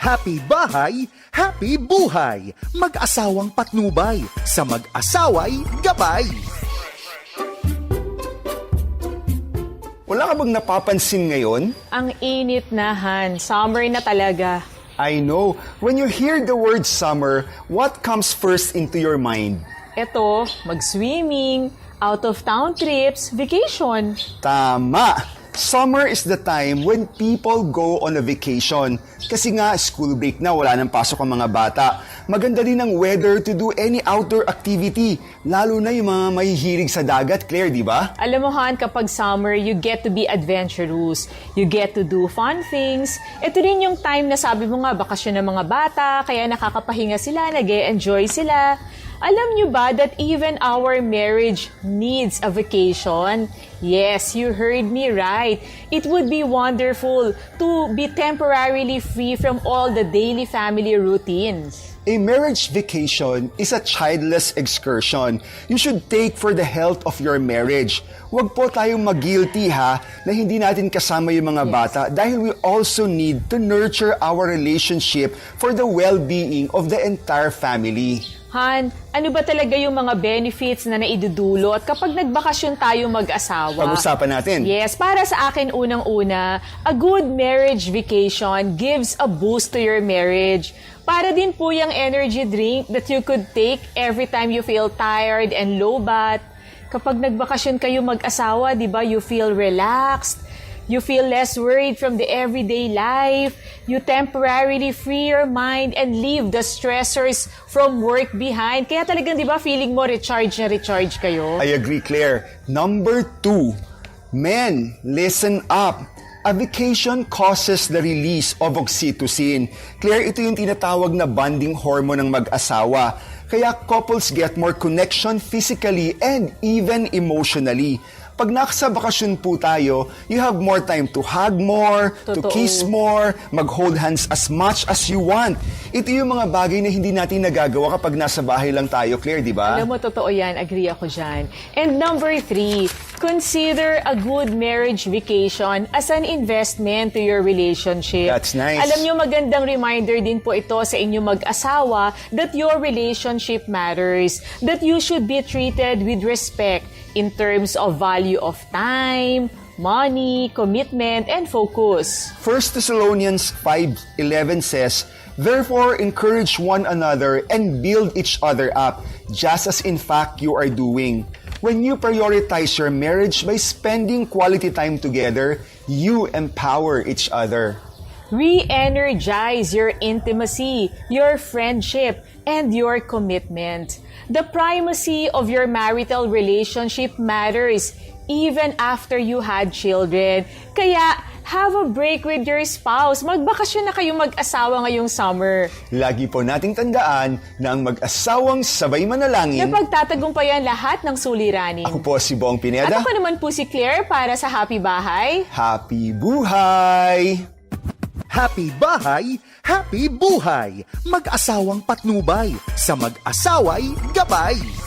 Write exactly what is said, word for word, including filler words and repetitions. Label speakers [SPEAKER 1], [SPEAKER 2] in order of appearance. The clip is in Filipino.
[SPEAKER 1] Happy bahay, happy buhay. Mag-asawang patnubay, sa mag-asaway gabay.
[SPEAKER 2] Wala ka bang napapansin ngayon?
[SPEAKER 3] Ang init na, Han. Summer na talaga.
[SPEAKER 2] I know. When you hear the word summer, what comes first into your mind?
[SPEAKER 3] Eto, mag-swimming, out-of-town trips, vacation.
[SPEAKER 2] Tama! Summer is the time when people go on a vacation. Kasi nga, school break na, wala nang pasok ang mga bata. Maganda din ang weather to do any outdoor activity. Lalo na yung mga mahihilig sa dagat, Claire, di ba?
[SPEAKER 3] Alam mo, Han, kapag summer, you get to be adventurous. You get to do fun things. Ito rin yung time na sabi mo nga, bakasyon ng mga bata, kaya nakakapahinga sila, nag-e-enjoy sila. Alam nyo ba that even our marriage needs a vacation? Yes, you heard me right. It would be wonderful to be temporarily free from all the daily family routines.
[SPEAKER 2] A marriage vacation is a childless excursion you should take for the health of your marriage. Huwag po tayong mag-guilty ha na hindi natin kasama yung mga bata dahil we also need to nurture our relationship for the well-being of the entire family.
[SPEAKER 3] Han, ano ba talaga yung mga benefits na naidudulot kapag nagbakasyon tayo mag-asawa?
[SPEAKER 2] Pag-usapan natin.
[SPEAKER 3] Yes, para sa akin unang-una, a good marriage vacation gives a boost to your marriage. Para din po yung energy drink that you could take every time you feel tired and low bat. Kapag nagbakasyon kayo mag-asawa, di ba, you feel relaxed. You feel less worried from the everyday life. You temporarily free your mind and leave the stressors from work behind. Kaya talagang, di ba, feeling mo recharge na recharge kayo?
[SPEAKER 2] I agree, Claire. Number two, men, listen up. A vacation causes the release of oxytocin. Claire, ito yung tinatawag na bonding hormone ng mag-asawa. Kaya couples get more connection physically and even emotionally. Pag nasa bakasyon po tayo, you have more time to hug more, to
[SPEAKER 3] Totoo.
[SPEAKER 2] kiss more, mag-hold hands as much as you want. Ito yung mga bagay na hindi natin nagagawa kapag nasa bahay lang tayo, Claire, di ba?
[SPEAKER 3] Alam mo, totoo yan. Agree ako dyan. And number three, consider a good marriage vacation as an investment to your relationship.
[SPEAKER 2] That's nice.
[SPEAKER 3] Alam nyo, magandang reminder din po ito sa inyong mag-asawa that your relationship matters, that you should be treated with respect in terms of value of time, money, commitment, and focus.
[SPEAKER 2] First Thessalonians five eleven says, "Therefore encourage one another and build each other up, just as in fact you are doing." When you prioritize your marriage by spending quality time together, you empower each other.
[SPEAKER 3] Re-energize your intimacy, your friendship, and your commitment. The primacy of your marital relationship matters even after you had children. Kaya, have a break with your spouse. Magbakasyon na kayo mag-asawa ngayong summer.
[SPEAKER 2] Lagi po nating tandaan na ang mag-asawang sabay manalangin.
[SPEAKER 3] Napagtatagumpayan lahat ng suliranin.
[SPEAKER 2] Ako po si Bong
[SPEAKER 3] At
[SPEAKER 2] Pineda.
[SPEAKER 3] ako naman po si Claire para sa Happy Bahay.
[SPEAKER 2] Happy buhay!
[SPEAKER 1] Happy bahay, happy buhay. Mag-asawang patnubay, sa mag-asaway gabay.